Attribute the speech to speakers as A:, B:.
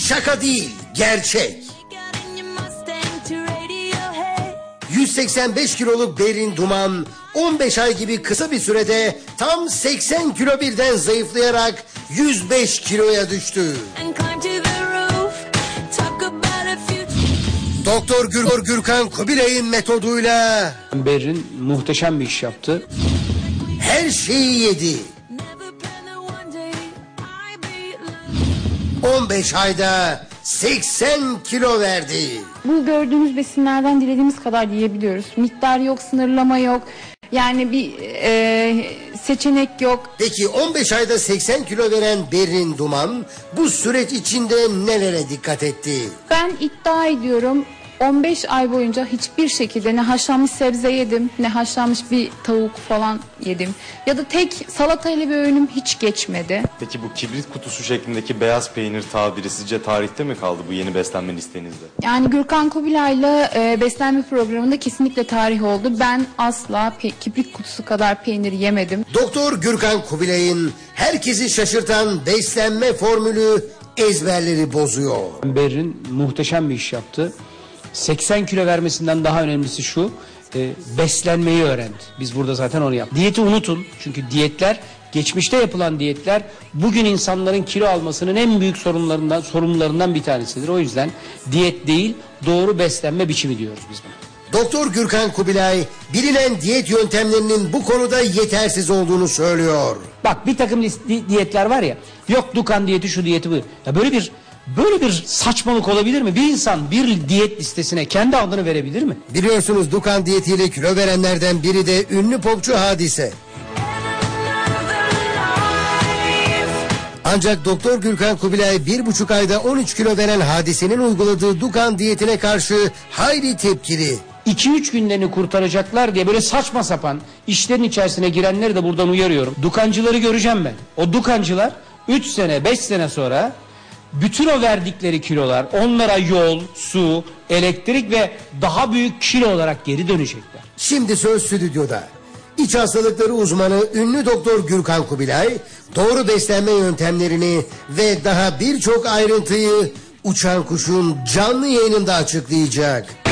A: Şaka değil, gerçek. 185 kiloluk Berrin Duman 15 ay gibi kısa bir sürede tam 80 kilo birden zayıflayarak 105 kiloya düştü. Doktor Gürkan Kubilay'ın metoduyla
B: Berrin muhteşem bir iş yaptı.
A: her şeyi yedi. 15 ayda 80 kilo verdi.
C: Bu gördüğünüz besinlerden dilediğimiz kadar yiyebiliyoruz. Miktar yok, sınırlama yok. Yani bir seçenek yok.
A: Peki 15 ayda 80 kilo veren Berrin Duman bu süreç içinde nelere dikkat etti?
C: Ben iddia ediyorum 15 ay boyunca hiçbir şekilde ne haşlanmış sebze yedim, ne haşlanmış bir tavuk falan yedim. Ya da tek salatayla bir öğünüm hiç geçmedi.
D: Peki bu kibrit kutusu şeklindeki beyaz peynir tabiri sizce tarihte mi kaldı bu yeni beslenme listenizde?
C: Yani Gürkan Kubilay'la beslenme programında kesinlikle tarih oldu. Ben asla kibrit kutusu kadar peynir yemedim.
A: Doktor Gürkan Kubilay'ın herkesi şaşırtan beslenme formülü ezberleri bozuyor.
B: Berrin muhteşem bir iş yaptı. 80 kilo vermesinden daha önemlisi şu, beslenmeyi öğrendi. Biz burada zaten onu yaptık. Diyeti unutun, çünkü diyetler, geçmişte yapılan diyetler bugün insanların kilo almasının en büyük sorunlarından bir tanesidir. O yüzden diyet değil, doğru beslenme biçimi diyoruz biz buna.
A: Doktor Gürkan Kubilay bilinen diyet yöntemlerinin bu konuda yetersiz olduğunu söylüyor.
B: Bak, bir takım diyetler var ya, yok Dukan diyeti, şu diyeti, bu. Ya böyle bir saçmalık olabilir mi? Bir insan bir diyet listesine kendi adını verebilir mi?
A: Biliyorsunuz Dukan diyetiyle kilo verenlerden biri de ünlü popçu Hadise. Ancak Doktor Gürkan Kubilay 1,5 ayda 13 kilo veren Hadise'nin uyguladığı Dukan diyetine karşı hayli tepkili.
B: 2-3 günlerini kurtaracaklar diye böyle saçma sapan işlerin içerisine girenleri de buradan uyarıyorum. Dukancıları göreceğim ben. O dukancılar 3 sene 5 sene sonra bütün o verdikleri kilolar onlara yol, su, elektrik ve daha büyük kilo olarak geri dönecekler.
A: Şimdi söz stüdyoda. İç hastalıkları uzmanı ünlü Doktor Gürkan Kubilay doğru beslenme yöntemlerini ve daha birçok ayrıntıyı Uçan Kuş'un canlı yayınında açıklayacak.